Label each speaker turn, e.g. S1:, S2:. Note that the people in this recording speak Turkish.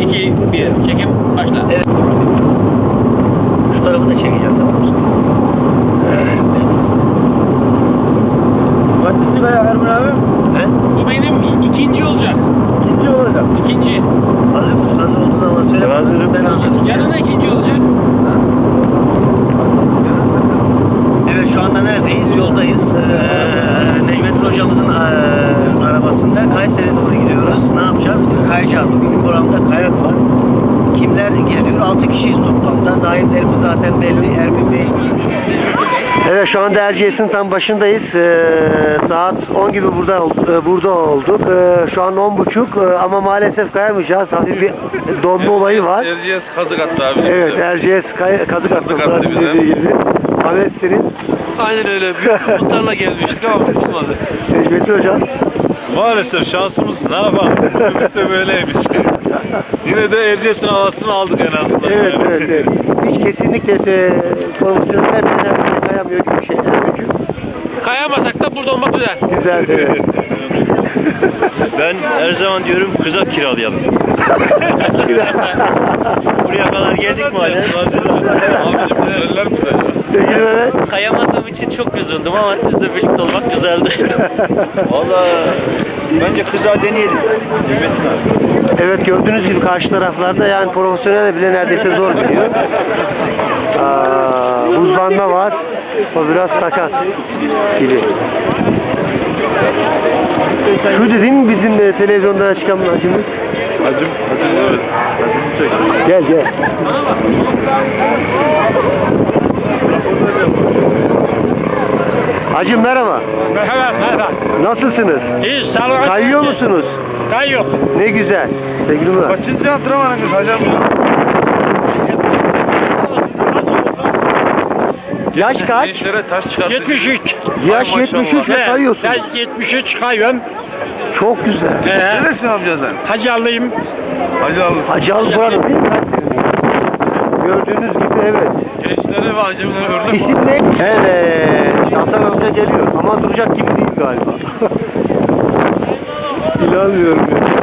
S1: 2, 1. Çekim başla.
S2: Evet. Şu tarafı da çekeceğim.
S3: Kaçıncı kaya Ermin abi?
S2: He?
S1: Bu benim ikinci olacak.
S3: İkinci olacak.
S1: İkinci.
S2: Hazır mısın? Hazır olduğun zaman söyle.
S3: Hazırım.
S2: Ben anlatayım.
S1: Yanına ikinci olacak.
S2: Evet, şu anda neredeyiz? Yoldayız. Necmettin hocamızın arabasında Kayseri'ye doğru gidiyoruz. Ne yapacağız? Kayacağız. Bugün programda kayak var. Kimler geziyor? 6 kişiyiz toplamda. Dahillerimiz zaten belli. Ermin Bey. Evet, şu anda Erciyes'in tam başındayız. Saat 10 gibi burada olduk. Şu an 10.30 ama maalesef kayamayacağız. Hafif bir donma olayı var.
S3: Erciyes kazık attı abi.
S2: Evet, Erciyes kazık attı.
S3: attı bize.
S2: Dediği gibi. Ahmet senin.
S3: Aynen öyle. Büyük umutlarla gelmiştik ama tutmadı.
S2: Necmettin hocam.
S3: Maalesef şansımız ne yapalım? Ümit de böyleymiş. Yine de Erciyes'in havasını aldık en azından.
S2: Evet, evet, evet. Hiç kesinlikle profesyonel kayamıyor gibi şeyler. Çünkü
S1: Kayamasak da burada olmak güzel.
S2: güzel, evet.
S3: Ben her zaman diyorum kızak kiralayalım. Buraya kadar geldik mi hala?
S2: Sevgili Mehmet.
S1: Kayamadığım için çok üzüldüm ama sizle birlikte olmak güzeldi.
S3: Valla bence kızağı deneyelim. Necmettin abi.
S2: Evet, gördüğünüz gibi karşı taraflarda yani profesyonel bile neredeyse zor gidiyor. Buzlanma var. O biraz sakat gibi. Şu dediğin mi bizim televizyonda çıkan acımız?
S3: Hacım evet. Hacım çek.
S2: Gel gel. Hacım merhaba.
S1: Merhaba.
S2: Nasılsınız?
S1: İyi, sağ olun.
S2: Kayıyor musunuz?
S1: Kayıyor.
S2: Ne güzel. Sevgili Murat.
S3: Kaçıncı antrenmanınız hocam?
S2: Yaş kaç?
S3: Gençlere taş çıkarttık.
S1: 73.
S2: Yaş 73 ve kayıyorsun.
S1: Ben 73 kayıyorum.
S2: Çok güzel.
S3: Neresin amca sen?
S1: Hacalıyım.
S3: Hacı abi.
S2: Hacı Alı buranın değil mi? Gördüğünüz gibi evet.
S3: Gençlere ve hacimlere örnek
S2: İsim ne? Evet. Hasan amca geliyor ama duracak gibi değil galiba. İnanmıyorum ya.